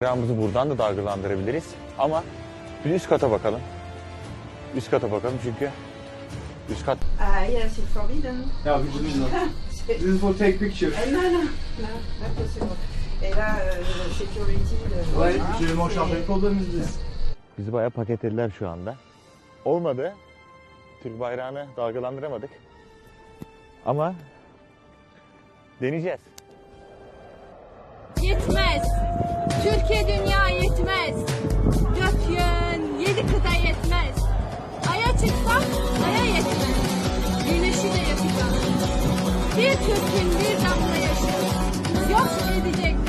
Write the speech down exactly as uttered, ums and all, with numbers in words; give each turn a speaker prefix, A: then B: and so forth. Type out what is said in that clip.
A: Bayrağımızı buradan da dalgalandırabiliriz ama bir üst kata bakalım. Üst kata bakalım çünkü üst kat...
B: Ah yes, it's forbidden.
C: Yeah, we didn't know. This is for take picture.
B: Eh, non, non, non, pas possible. Et là, euh, le security... Le...
C: Ouais,
B: Hein,
C: j'ai mon
B: c'est-
C: champagne problem is this.
A: Bizi bayağı paketlediler şu anda. Olmadı. Türk bayrağını dalgalandıramadık. Ama deneyeceğiz.
D: Yetmez. Türkiye dünya yetmez. Dört yön, yedi kıta yetmez. Aya çıksam aya yetmez. Güneşi de yakacağım. Bir Türk'ün bir damla yaşı. Yok edecek